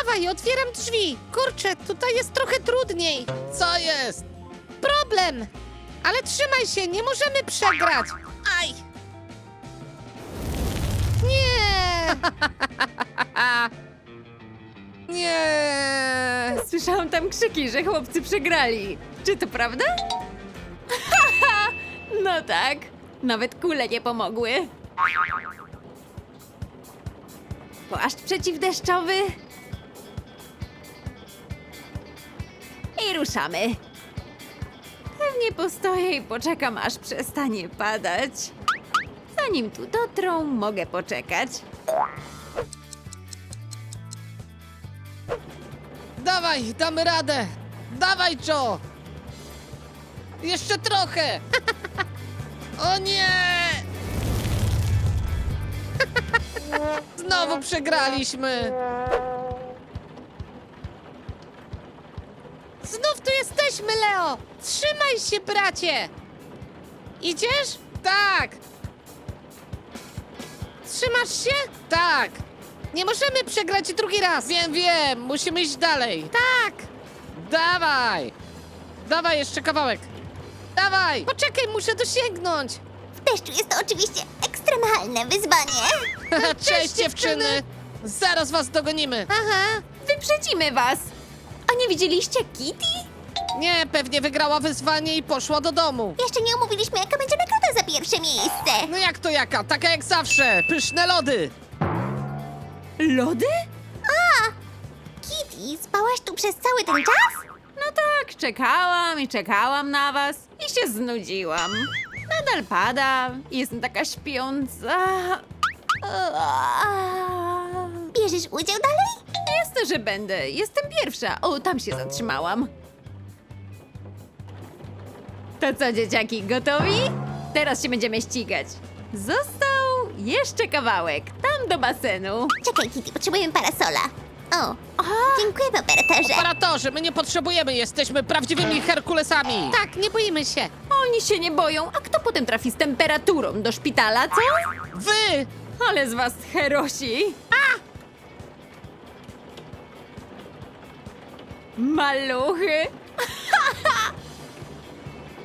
Dawaj, otwieram drzwi. Kurczę, tutaj jest trochę trudniej. Co jest? Problem. Ale trzymaj się, nie możemy przegrać. Aj! Nie! Nie! Słyszałam tam krzyki, że chłopcy przegrali. Czy to prawda? Haha! No tak. Nawet kule nie pomogły. Płaszcz przeciwdeszczowy. I ruszamy. Pewnie postoję i poczekam, aż przestanie padać. Zanim tu dotrą, mogę poczekać. Dawaj, damy radę! Dawaj, Joe! Jeszcze trochę! O nie! Znowu przegraliśmy! Znów tu jesteśmy, Leo! Trzymaj się, bracie! Idziesz? Tak! Trzymasz się? Tak! Nie możemy przegrać drugi raz! Wiem, musimy iść dalej! Tak! Dawaj! Dawaj, jeszcze kawałek! Dawaj! Poczekaj, muszę dosięgnąć! W deszczu jest to oczywiście ekstremalne wyzwanie. Cześć, dziewczyny! Zaraz was dogonimy! Aha! Wyprzedzimy was! A nie widzieliście Kitty? Nie, pewnie wygrała wyzwanie i poszła do domu. Jeszcze nie omówiliśmy, jaka będzie nagroda za pierwsze miejsce. No jak to jaka? Taka jak zawsze! Pyszne lody! Lody? Kitty, spałaś tu przez cały ten czas? No tak, czekałam i czekałam na was i się znudziłam. Nadal pada, jestem taka śpiąca. Bierzesz udział dalej? Jasne, że będę. Jestem pierwsza. O, tam się zatrzymałam. To co, dzieciaki, gotowi? Teraz się będziemy ścigać. Został jeszcze kawałek, tam do basenu. Czekaj, Kitty, potrzebujemy parasola. O, dziękujemy, operatorze. Operatorze, my nie potrzebujemy, jesteśmy prawdziwymi Herkulesami! Tak, nie boimy się! Oni się nie boją, a kto potem trafi z temperaturą do szpitala, co? Wy! Ale z was herosi! Maluchy!